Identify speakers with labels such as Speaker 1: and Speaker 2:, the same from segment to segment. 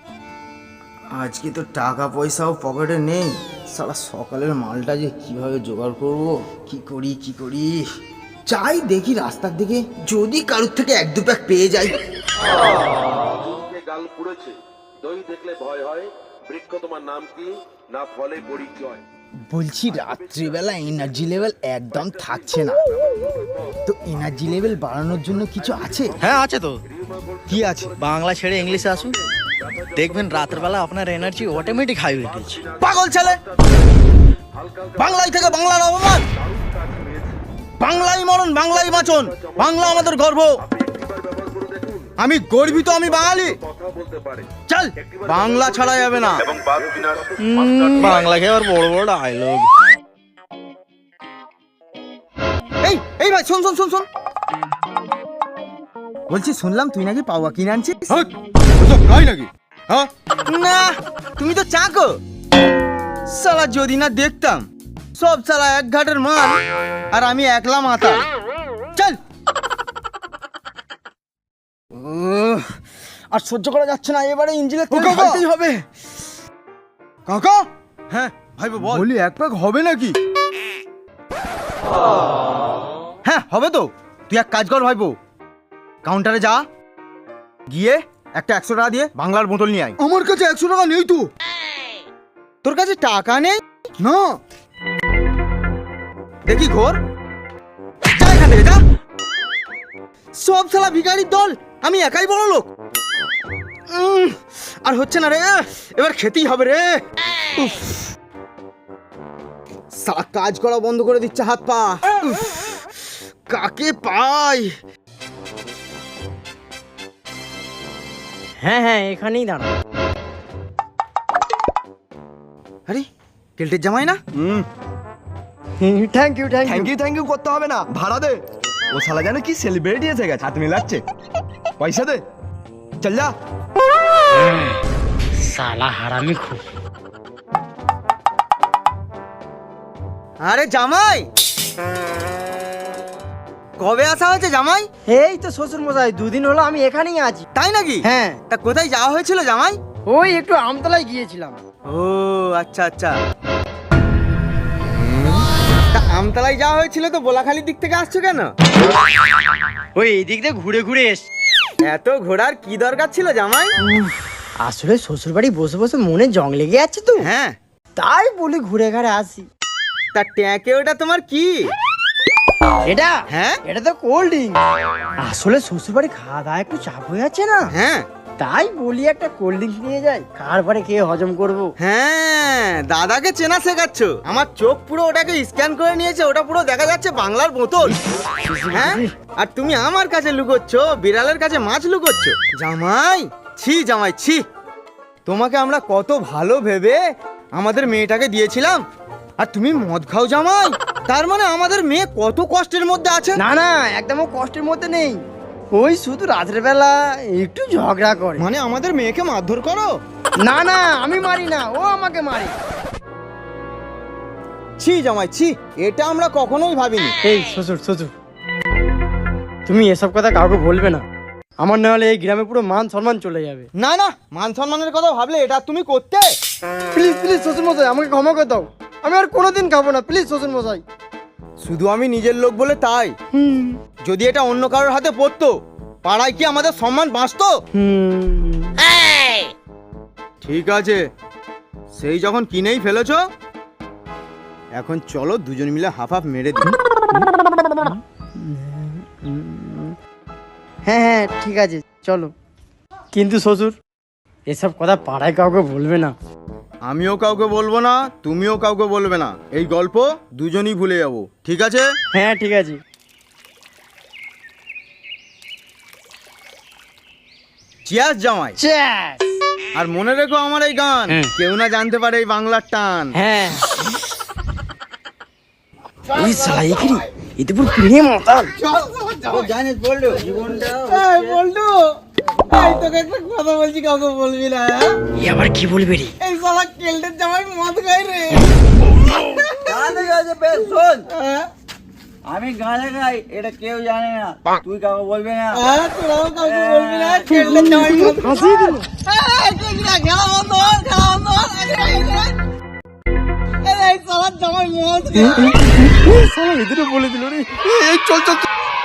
Speaker 1: আজকে তো টাকা পয়সাও পকেটে নেই, সারা সকালের মালটা যে কিভাবে জোগাড় করব, কি করি চাই দেখি রাস্তার দিকে যদি কারোর থেকে এক দু প্যাক পেয়ে যাই।
Speaker 2: গাল পুড়েছে, দই দেখলে ভয় হয়, বৃক্ষ তোমার নাম কি, না ফলে পরিচয়।
Speaker 1: বলছি রাত্রিবেলা এনার্জি লেভেল একদম থাকছে না, তো এনার্জি লেভেল বাড়ানোর জন্য কিছু আছে?
Speaker 3: হ্যাঁ আছে তো।
Speaker 1: কি আছে?
Speaker 3: বাংলা ছেড়ে ইংলিশে আসুন, দেখবেন রাতের বেলা আপনার এনার্জি অটোমেটিক হাই হয়ে গেছে।
Speaker 1: পাগল ছেলে, বাংলায় থেকে বাংলার অপমান, বাংলাই মরণ বাংলাই বাঁচন, বাংলা আমাদের গর্ব, আমি গর্বিত, আমি বাঙালি। চল, বাংলা ছাড়া যাবে না।
Speaker 3: বাংলাকে আবার বড় বড় ডায়লগ।
Speaker 1: এই এই ভাই শোন শোন শোন শোন, বলছি শুনলাম তুই নাকি পাওয়া কিনে আনছিস।
Speaker 4: তাই নাকি? হ্যাঁ,
Speaker 1: না তুমি তো চাকো সালা, যদি না দেখতাম সব সালা এক ঘাটের মাল আর আমি একলা মাথা। চল, আর সহ্য করা যাচ্ছে না, এবারে ইঞ্জিনের তেল ঢালতেই হবে।
Speaker 4: কাকা
Speaker 1: হ্যাঁ ভাইবো বল।
Speaker 4: বলি এক প্যাক হবে নাকি?
Speaker 1: হ্যাঁ হবে তো, তুই এক কাজ কর ভাইবো, কাউন্টারে যা, গিয়ে একটা 100 টাকা দিয়ে বাংলার বোতল নিয়ে আয়।
Speaker 4: আমার কাছে 100 টাকা নেই তো।
Speaker 1: তোর কাছে টাকা নেই?
Speaker 4: না,
Speaker 1: দেখি ঘোর, যা এখান থেকে যা। সব শালা ভিখারির দল, আমি একাই বড় লোক। আর হচ্ছে না রে, এবার খেতেই হবে রে। উফ, শালা কাজ করা বন্ধ করে দিচ্ছে হাত পা। উফ, কাকে পাই?
Speaker 5: হ্যাঁ হ্যাঁ এখানেই দাঁড়া।
Speaker 1: আরে কেলটের জামাই না?
Speaker 5: Thank you thank you.
Speaker 4: Thank you করতে হবে না, ভাড়া দে। ও শালা জানো কি সেলিব্রিটি এসে গেছে, হাত মিলাচ্ছে। পয়সা দে, চল যা।
Speaker 5: সালা হারামি খুব।
Speaker 1: আরে জামাই, কবে আসা হয়েছে জামাই?
Speaker 5: এই তো শ্বশুর মশাই, দুদিন হলো আমি এখানেই আছি।
Speaker 1: তাই নাকি?
Speaker 5: হ্যাঁ,
Speaker 1: তা কোথায় যাওয়া হয়েছিল জামাই?
Speaker 5: ওই একটু আমতলায় গিয়েছিলাম।
Speaker 1: ও আচ্ছা আচ্ছা, তা আমতলায় যাওয়া হয়েছিল তো বোলাখালির দিক থেকে আসছো কেন?
Speaker 5: ওই এদিক দিয়ে ঘুরে ঘুরে এস।
Speaker 1: এত ঘোরার কি দরকার ছিল জামাই?
Speaker 5: আসলে শ্বশুর বাড়ি বসে বসে মনে জং লেগে যাচ্ছে তো,
Speaker 1: হ্যাঁ,
Speaker 5: তাই বলি ঘুরে ঘাড়ে আসি।
Speaker 1: তা ট্যাঁকে ওটা তোমার কি?
Speaker 5: এটা
Speaker 1: হ্যাঁ
Speaker 5: এটা তো কোল্ড ড্রিঙ্ক। আসলে শ্বশুর বাড়ি খাওয়া দাওয়া একটু চাপ হয়ে যাচ্ছে না,
Speaker 1: হ্যাঁ
Speaker 5: তাই বলি একটা কোল্ড ড্রিঙ্ক নিয়ে যাই, কার বাড়ি খেয়ে হজম করবো।
Speaker 1: হ্যাঁ, দাদাকে চেনা শেখাচ্ছ। আমার চোখ পুরো ওটাকে স্ক্যান করে নিয়েছে, ওটা পুরো দেখা যাচ্ছে বাংলার বোতল। হ্যাঁ, আর তুমি আমার কাছে লুকোচ্ছ, বিড়ালের কাছে মাছ লুকোচ্ছ। জামাই ছি, জামাই ছি, তোমাকে আমরা কত ভালো ভেবে আমাদের মেয়েটাকে দিয়েছিলাম, আর তুমি মদ খাও জামাই। তার মানে আমাদের মেয়ে কত কষ্টের মধ্যে আছে।
Speaker 5: না না, একদম ও কষ্টের মধ্যে নেই, ওই শুধু রাতের বেলা একটু ঝগড়া করে।
Speaker 1: মানে আমাদের মেয়েকে মারধর করো?
Speaker 5: না না, আমি মারি না, ও আমাকে মারে।
Speaker 1: ছি জামাই ছি, এটা আমরা কখনোই ভাবিনি।
Speaker 5: এই শ্বশুর শ্বশুর, তুমি এসব কথা কাউকে বলবে না, আমার না হলে এই গ্রামে পুরো মান সম্মান চলে যাবে।
Speaker 1: না না, মান সম্মানের কথা ভাবলে এটা তুমি করতে?
Speaker 5: প্লিজ প্লিজ শ্বশুর মশাই, আমাকে ক্ষমা করে দাও, আমি আর কোনোদিন খাবো না, প্লিজ শ্বশুর মশাই।
Speaker 1: শুধু আমি নিজের লোক বলে তাই, যদি এটা অন্য কারোর হাতে পড়তো, পাড়ায় কি আমাদের সম্মান বাঁচতো? ঠিক আছে, সেই যখন কিনেই ফেলেছো, এখন চলো দুজন মিলে হাফ হাফ মেরে দিই।
Speaker 5: হ্যাঁ হ্যাঁ ঠিক আছে চলো, কিন্তু শ্বশুর এসব কথা পাড়ায় কাউকে বলবে না।
Speaker 1: আমিও কাউকে বলবো না, তুমিও কাউকে বলবে না, এই গল্প দুজনই ভুলে যাবো, ঠিক আছে?
Speaker 5: হ্যাঁ ঠিক আছে।
Speaker 1: চিয়ার্স জামাই।
Speaker 5: Cheers!
Speaker 1: আর মনে রেখো আমার এই গান কেউ না জানতে পারে এই বাংলার টান।
Speaker 5: হ্যাঁ ওই সাইকিরি এতে পুরো পিড়ে মাতাল।
Speaker 1: জানিস বলটু, বলটু এই তোকে একটা কথা বলছি, কাউকে বলবি না।
Speaker 5: এ আবার কি বলবে রে?
Speaker 1: এই শালা কেলটের জামাই মদ খাই রে। ঠিক আছে বেশ, শোন,
Speaker 6: আমি গানে গাই, এটা কেউ জানে না। তুই কাউকে বলবি না।
Speaker 1: তোরাও কাউকে বলবি না, কেল্টের জামাই মদ
Speaker 5: হাসিয়ে দিল।
Speaker 1: খেলা বন্ধ কর, খেলা বন্ধ কর। এই সালার জামাই মদ
Speaker 5: শালা এদেরও বলে দিল রে।
Speaker 4: চল চল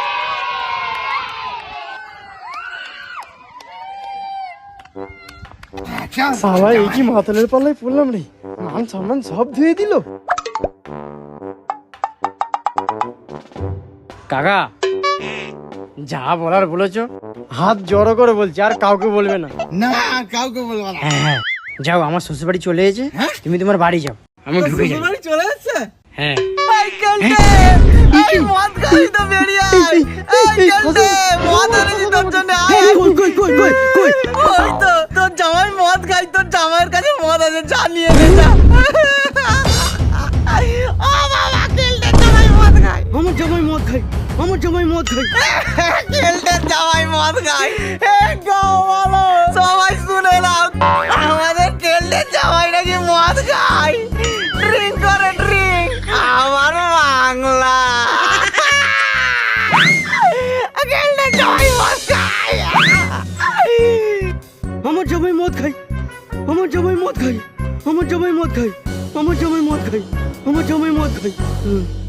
Speaker 5: শালা এই কি মাতালের পাল্লায় পড়লাম রে, মান সম্মান সব ধুয়ে দিল। কাকা যা বলার বলেছো, হাত জড়ো করে বলছি, আর কাউকে বলবে না।
Speaker 1: না কাউকে বলবো না।
Speaker 5: হ্যাঁ যাও, আমার শ্বশুর বাড়ি চলে এসেছে, তুমি তোমার বাড়ি যাও, আমি ঢুকে যাই।
Speaker 1: শ্বশুরবাড়ি চলে যাচ্ছে?
Speaker 5: হ্যাঁ
Speaker 1: এই কেল্টে, এই মদ খাবি তো বেরিয়ে আয়। এই কেল্টে, মদ এনেছি তোর জন্য, আয়। ওই তো, তোর জামাই মদ খাই, তোর জামাইয়ের কাছে মদ আছে, যা নিয়ে নে যা। ও বাবা, কেল্টের জামাই মদ খায়।
Speaker 5: আমার জামাই মদ খাই, আমার জামাই মদ খাই।
Speaker 1: কেল্টের জামাই মদ খায়। গাও বলো, সবাই শুনে নাও, আমাদের কেল্টের জামাই নাকি মদ খায়, ড্রিঙ্ক করে ড্রিঙ্ক। আমার বাংলা কেল্টের জামাই মদ খায়।
Speaker 5: আমার জামাই মদ খাই, আমার জামাই মদ খাই, আমার জামাই মদ খাই, আমার জামাই মদ খাই, আমার জামাই মদ খাই।